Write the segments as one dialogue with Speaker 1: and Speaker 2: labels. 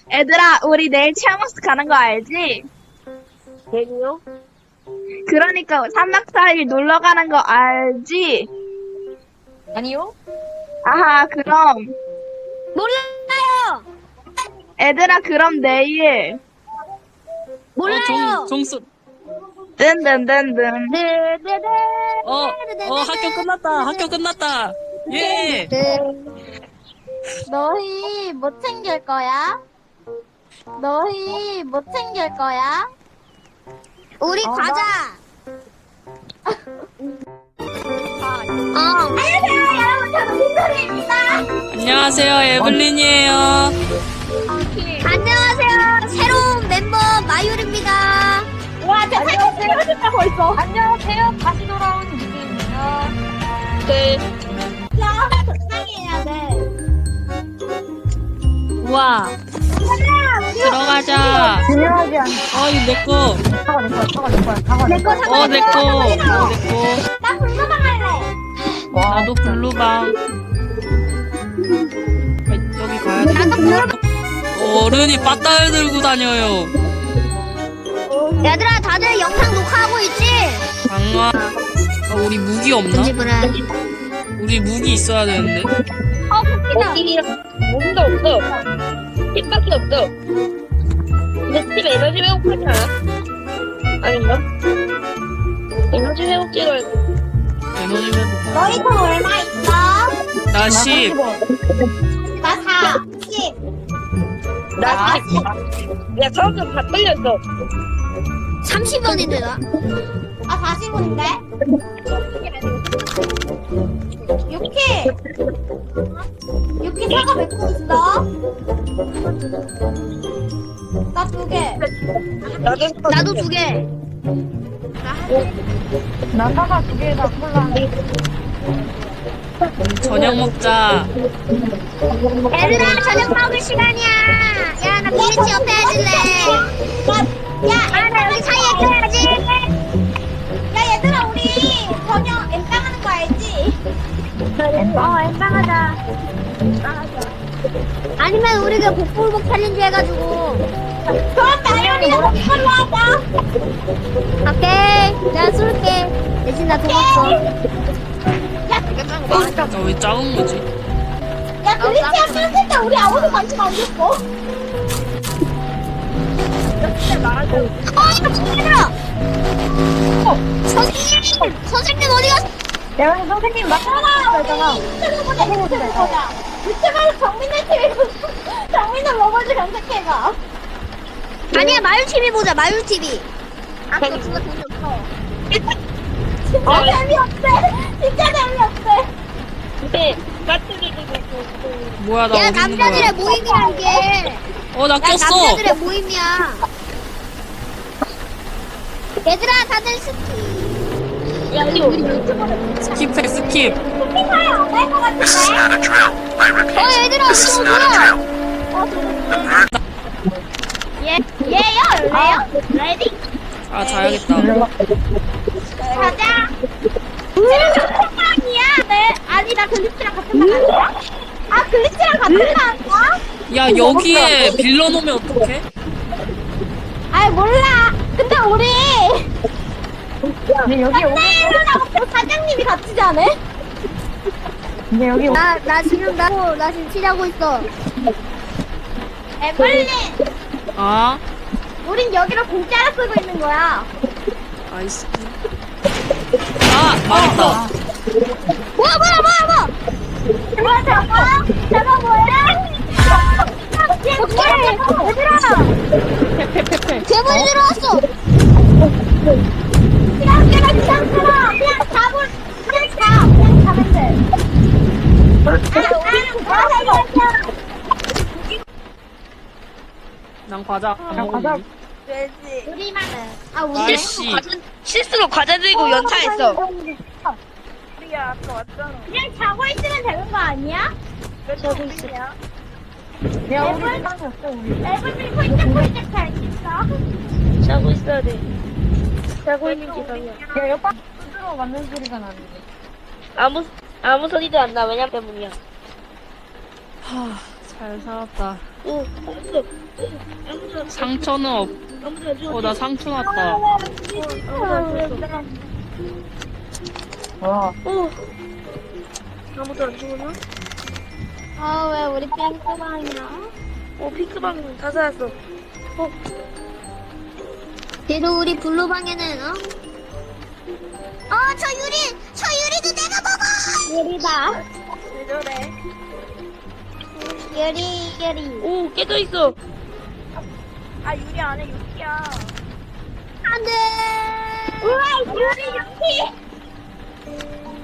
Speaker 1: 얘들아, 우리 내일 체험학습 가는 거 알지?
Speaker 2: 내일이요?
Speaker 1: 그러니까 3박 4일 놀러 가는 거 알지?
Speaker 2: 아니요?
Speaker 1: 아하, 그럼.
Speaker 3: 몰라요.
Speaker 1: 얘들아, 그럼 내일.
Speaker 3: 몰라요.
Speaker 4: 종수.
Speaker 1: 든든든든.
Speaker 3: 네네네.
Speaker 4: 학교 끝났다. 학교 끝났다. 예.
Speaker 3: 너희 뭐 챙길 거야? 너희 뭐 챙길 거야? 우리 가자. 안녕하세요, 여러분. 저는 민소리입니다.
Speaker 4: 안녕하세요. 에블린이에요.
Speaker 3: 안녕하세요. 새로운 멤버 마율입니다. 와, 저 안녕하세요. 진짜 벌써. 안녕하세요. 다시 돌아온 유빈입니다.
Speaker 2: 네.
Speaker 3: 야, 적당히 해야 돼.
Speaker 4: 우와. 들어가자.
Speaker 1: 중요하지 않아.
Speaker 4: 이거 내 거.
Speaker 3: 내거 사과.
Speaker 4: 내 거. 내 거.
Speaker 3: 나 불러방 할래.
Speaker 4: 나도 블루방. 여기 가야 돼.
Speaker 3: 나도 불러.
Speaker 4: 어른이 빠따를 들고 다녀요.
Speaker 3: 얘들아, 다들 영상 녹화하고 있지?
Speaker 4: 강화. 우리 무기 없나? 우리 무기 있어야 되는데.
Speaker 3: 웃기다.
Speaker 2: 무기도 없어. 팁밖에 없어. 근데 팁 에너지 회복하지 않아? 아닌가? 에너지 회복 찍어야 돼.
Speaker 4: 에너지 회복.
Speaker 3: 너희 돈 얼마 있어?
Speaker 4: 나 10.
Speaker 3: 나 4, 10.
Speaker 2: 나 야, 처음부터 다 끌렸어.
Speaker 3: 30원인데, 나. 아, 40원인데? 6키 사과 몇 개 있어? 나 2개. 나도 2개.
Speaker 1: 나 사과 2개에다 콜라.
Speaker 4: 저녁 먹자.
Speaker 3: 얘들아, 저녁 먹을 시간이야. 야, 나 빌리지 옆에 해줄래. 야, 나 여기 사이에 껴야지. 야, 얘들아, 우리 저녁 엠빵 하는 거 알지? 엠빵 하자. 아니면 우리가 복불복 챌린지 해가지고. 그럼 나연이가 복불로 하자. 오케이, 내가 쏠게. 대신 나 돈 없어.
Speaker 4: 나 왜 작은 거지?
Speaker 3: 야, 글리치야 뺐을 때 우리 아무도 관심 안 줬어. 이거 진짜라! 선생님 어디 갔어?
Speaker 1: 야, 선생님, 나
Speaker 3: 아, 유튜브 보자. 유튜브에서 정민을 먹어줄 검색해봐. 아니야, 마율TV 보자, 마율TV. 아, 그거 그거 재미없어. 진짜 재미없대. 진짜 재미없대.
Speaker 2: 근데, 까투리 들고
Speaker 4: 뭐야, 나
Speaker 3: 야,
Speaker 4: 어디 있는
Speaker 3: 남자들의
Speaker 4: 거야?
Speaker 3: 모임이란 게.
Speaker 4: 나
Speaker 3: 야,
Speaker 4: 꼈어.
Speaker 3: 남자들의 모임이야. 얘들아, 다들 스키.
Speaker 2: 야, 이거 우리
Speaker 4: 스킵해, 스킵.
Speaker 3: 스키파이 안갈것 같은데? 얘들아, 이거 뭐야? 얘요? 레요? 레디?
Speaker 4: 아, 자야겠다.
Speaker 3: 가자. 쟤는 같은 방이야. 네. 아니, 나 글리치랑 같은 방 아니야? 아, 글리치랑 같은 방이야?
Speaker 4: 야, 여기에 빌려 놓으면 어떡해?
Speaker 3: 아이, 몰라. 근데 우리.
Speaker 1: 근데 여기 오고,
Speaker 3: 근데 사장님이 같이 자네?
Speaker 1: 근데 여기 오고.
Speaker 3: 나 지금 치자고 있어. 에블린,
Speaker 4: 아,
Speaker 3: 우린 여기로 공짜로 쓰고 있는 거야.
Speaker 4: 아이스. 아, 망했다.
Speaker 3: 뭐야. 뭐야, 저거 뭐야? 얘들아! 괴물이 들어왔어! 그냥 가면 돼.
Speaker 4: 난 과자 안
Speaker 1: 과자.
Speaker 4: 먹었니?
Speaker 3: 우리만은. 아,
Speaker 4: 우리 씨.
Speaker 2: 실수로 과자 들고 연타했어.
Speaker 1: 우리가 아까 왔잖아.
Speaker 3: 그냥 자고 있으면 되는 거 아니야?
Speaker 1: 저도 있어. 야, 우리 빵이었어, 우리.
Speaker 3: 레벨이 폴짝폴짝 잘 있어.
Speaker 2: 자고 있어야 돼. 자고 있는 기상이야.
Speaker 1: 야, 옆방 스스로 맞는 소리가 나는데.
Speaker 2: 아무 소리도 안 나. 왜냐 때문이야.
Speaker 4: 하, 잘 살았다.
Speaker 2: 오, 알았어. 아무도 안
Speaker 4: 상처는 없.
Speaker 2: 아무도 안 죽었어.
Speaker 4: 나 상처 났다.
Speaker 2: 아무도 안 죽었어. 오. 아무도 안 죽었나?
Speaker 3: 아, 왜 우리 뺑끄방이야?
Speaker 2: 핑크방 다 살았어.
Speaker 3: 그래도 우리 블루방에는, 저 유리도 내가 먹어! 유리다.
Speaker 2: 왜 저래?
Speaker 3: 유리.
Speaker 2: 오, 깨져 있어.
Speaker 1: 아, 유리 안에 유리야.
Speaker 3: 안 돼! 우와, 유리!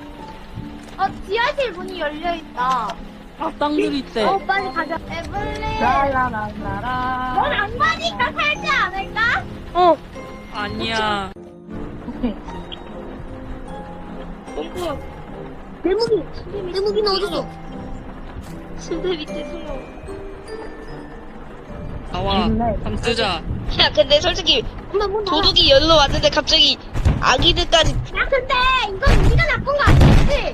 Speaker 3: 지하실 문이 열려있다.
Speaker 4: 악당들이 있대.
Speaker 3: 빨리 가자. 에블린.
Speaker 1: 라라라라라.
Speaker 3: 넌 악마니까 살지 않을까?
Speaker 4: 아니야.
Speaker 2: pom프야.
Speaker 3: 내 무기는 어딨어?
Speaker 2: 침대 밑에 숨어.
Speaker 4: 나와. 감쓰자.
Speaker 2: 야, 근데 솔직히
Speaker 3: 엄마,
Speaker 2: 도둑이 열로 왔는데 갑자기 아기들까지.
Speaker 3: 야, 근데 이건 우리가 나쁜 거 아니지?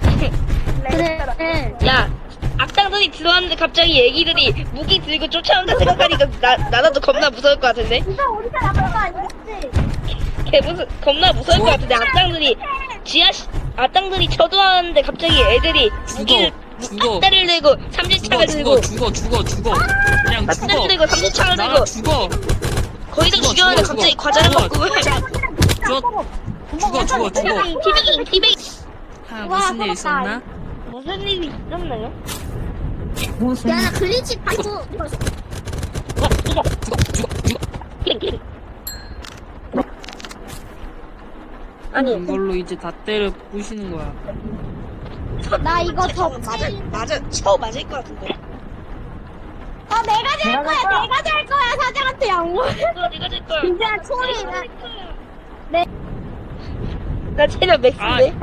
Speaker 3: 그래.
Speaker 2: 야, 악당들이 들어왔는데 갑자기 애기들이 무기 들고 쫓아온다 생각하니까 나도 겁나 무서울 것 같은데?
Speaker 3: 이거 우리가 나쁜 거 아니겠지?
Speaker 2: 겁나 무서울 것 같은데 악당들이 쳐들어왔는데 갑자기 애들이 무기를
Speaker 4: 죽어.
Speaker 2: 앗대를 들고 삼지창을 들고
Speaker 4: 죽어. 그냥
Speaker 2: 앗대를
Speaker 4: 죽어.
Speaker 2: 들고 삼지창을
Speaker 4: 나가
Speaker 2: 들고
Speaker 4: 죽어.
Speaker 2: 거기다 죽였는데 갑자기 과자를 먹고
Speaker 4: 죽어.
Speaker 2: 티베깅
Speaker 4: 무슨 일 있었나?
Speaker 2: 무슨 일이 있었나요?
Speaker 3: 야, 나 글리치 받고.
Speaker 2: 아니
Speaker 4: 이걸로 이제 다 때려 부시는 거야.
Speaker 3: 나 이거 더
Speaker 2: 쳐 맞을 것 같은데.
Speaker 3: 내가 될 거야. 내가 될 거야. 사장한테 양보해.
Speaker 2: 네가 될 거야.
Speaker 3: 진짜 소리.
Speaker 2: 나 체력 맥스인데.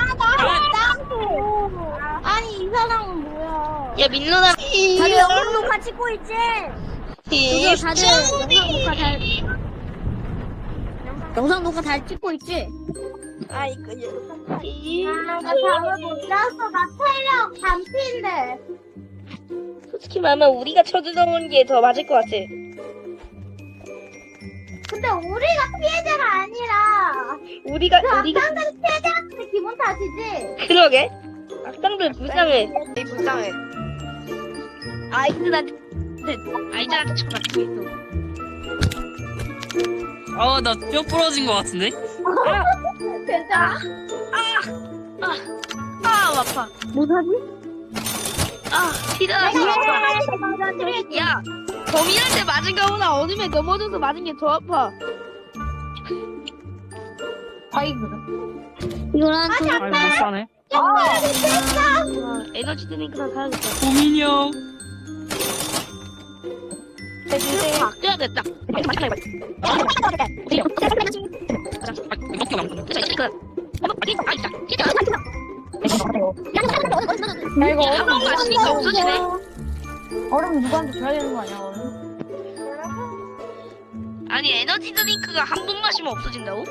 Speaker 3: 아니, 이 사람은 뭐야?
Speaker 2: 야 민로나.
Speaker 3: 다들 영상 녹화 찍고 있지? 다들 영상 녹화 잘 찍고 있지?
Speaker 2: 아 이거
Speaker 3: 나 잠을 못 잤어. 나 체력 반피인데.
Speaker 2: 솔직히 말하면 우리가 쳐들어온 게 더 맞을 것 같아.
Speaker 3: 근데 우리가 피해자가 아니라
Speaker 2: 우리가
Speaker 3: 악당들이 피해자한테 기분 탓이지?
Speaker 2: 그러게. 악당들 불쌍해.
Speaker 1: 불쌍해.
Speaker 2: 아이들한테 쳐맞고 있어.
Speaker 4: 나 뼈 부러진 거 같은데?
Speaker 3: 괜찮아?
Speaker 2: 아파.
Speaker 3: 못하지?
Speaker 2: 피다. 야, 범인한테 맞은 거보다 어둠에 넘어져서 맞은 게 더 아파.
Speaker 3: 이거랑
Speaker 4: 아이 못 사네.
Speaker 2: 에너지 드링크랑 사야겠다.
Speaker 4: 고민이 형.
Speaker 2: 바뀌어야겠다.
Speaker 1: 야, 이거
Speaker 2: 한번 마시니까 없어지네.
Speaker 1: 얼음 누구한테 줘야 되는 거 아니야, 얼음?
Speaker 2: 아니 에너지 드링크가 한 번 마시면 없어진다고?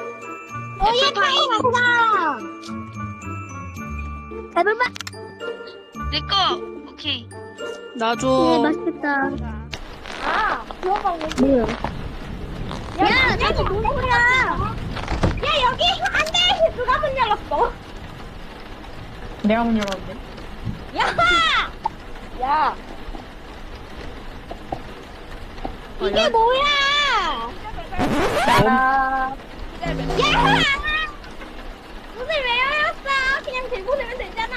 Speaker 3: 배불만.
Speaker 2: 내꺼 오케이.
Speaker 4: 나
Speaker 3: 맛있겠다. 뭐야? 야, 저기 누구야? 야, 여기 안 돼. 누가 문 열었어?
Speaker 1: 내가 문 열었는데.
Speaker 3: 야. 이게 뭐야?
Speaker 1: 야,
Speaker 3: 야! 문을 왜 열었어? 그냥 들고 들면 되잖아.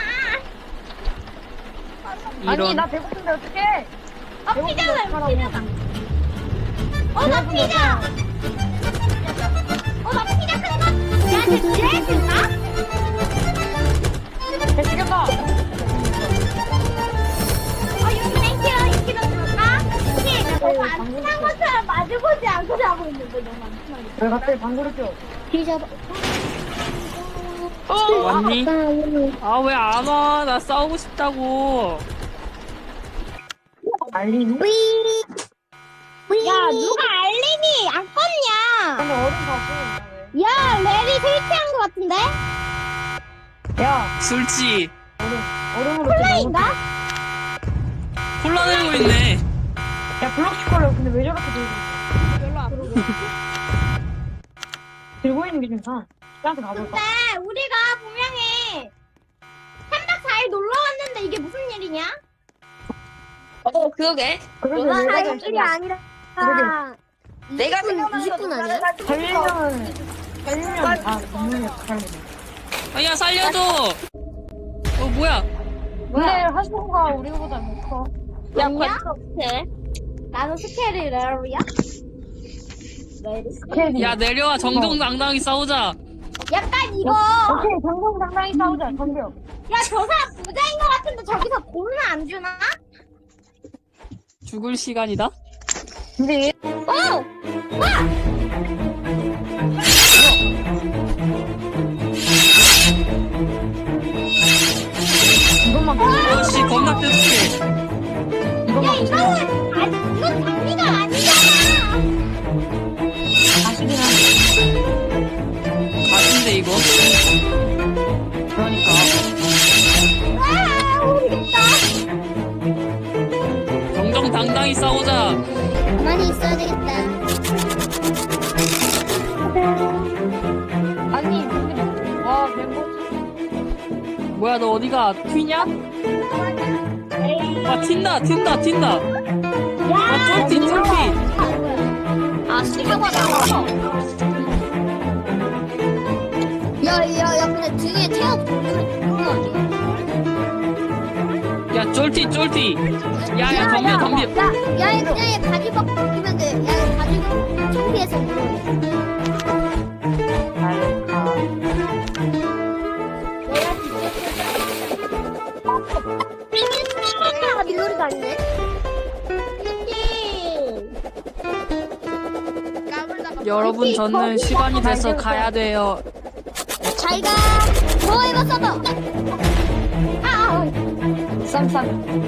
Speaker 1: 아니,
Speaker 4: 이런.
Speaker 1: 나 배고픈데 어떡해?
Speaker 3: 피자다, 이거 피자다. 나 피자! 나 피자 큰 거! 야, 쟤 지뢰했을까?
Speaker 1: 죽여봐.
Speaker 3: 여기 땡큐, 이렇게 넣어줄까? 이게 너무 안 친한 것처럼 마주보지 않고 자고 있는데 너무 안 친하게.
Speaker 1: 왜 갑자기 방구를 껴?
Speaker 3: 피자.
Speaker 4: 왔니? 왜 안 와? 나 싸우고 싶다고.
Speaker 1: 알리니?
Speaker 3: 야, 누가 알림이 안 껐냐?
Speaker 1: 근데 얼음 갖고 있나,
Speaker 3: 야, 레리 설치한 것 같은데?
Speaker 1: 왜? 야,
Speaker 4: 술지.
Speaker 1: 얼음으로
Speaker 3: 콜라인가?
Speaker 4: 콜라 들고 있네.
Speaker 5: 블록 슈퍼를 근데 왜 저렇게
Speaker 1: 별로 안
Speaker 5: 들고 있는 게 좀 이상해. 나한테 가볼까?
Speaker 3: 근데 우리가 분명히 3박 4일 놀러 왔는데 이게 무슨 일이냐?
Speaker 2: 그러게.
Speaker 5: 그러게
Speaker 3: 와,
Speaker 5: 왜
Speaker 3: 일이 아니라
Speaker 2: 내가
Speaker 3: 20분 아니야?
Speaker 5: 살리면 다 분명히 살리.
Speaker 4: 아야 살려줘. 뭐야?
Speaker 5: 근데 하수구가 우리보다 못 커.
Speaker 3: 야, 관계 나는 스케일이 레어야?
Speaker 4: 야 내려와 정정당당히 싸우자.
Speaker 3: 약간 이거
Speaker 5: 오케이, 정정당당히 싸우자, 덤벼.
Speaker 3: 야, 저 사람 부자인 것 같은데 저기서 돈은 안 주나?
Speaker 4: 죽을 시간이다.
Speaker 5: 근데 얘,
Speaker 3: 어!
Speaker 5: 이것만
Speaker 4: 어씨 겁나 뜨뜻해.
Speaker 3: 야, 이건 장비가 아니잖아!
Speaker 5: 가시긴 한데.
Speaker 4: 맛인데 이거.
Speaker 5: 그러니까.
Speaker 3: 아, 모르겠다.
Speaker 4: 정정당당히 싸우자.
Speaker 3: 가만히 있어야 되겠다.
Speaker 5: 아니, 근데, 와, 멤버.
Speaker 4: 뭐야 너 어디가 튀냐? 아 튄다. 아 쫄티.
Speaker 3: 아, 시켜봐, 나와. 야, 근데 등에 태엽 돌리는 거 아니야?
Speaker 4: 야 쫄티. 야야 덤벼.
Speaker 3: 야, 그냥 얘 바지 벗기면 돼. 야, 얘 바지 창피해서 물어. 내가 밀놀이가 아니네.
Speaker 4: 여러분 저는 시간이 돼서 가야 돼요.
Speaker 3: 잘 가. 더 해봐, 써봐.
Speaker 5: 쌈쌈.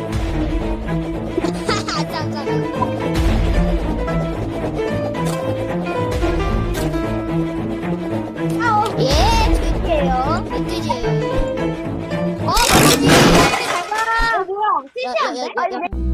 Speaker 3: 예, 드릴게요. 멧돼지. 멧돼지. 잘 가. 뭐야? 멧돼지 안 돼?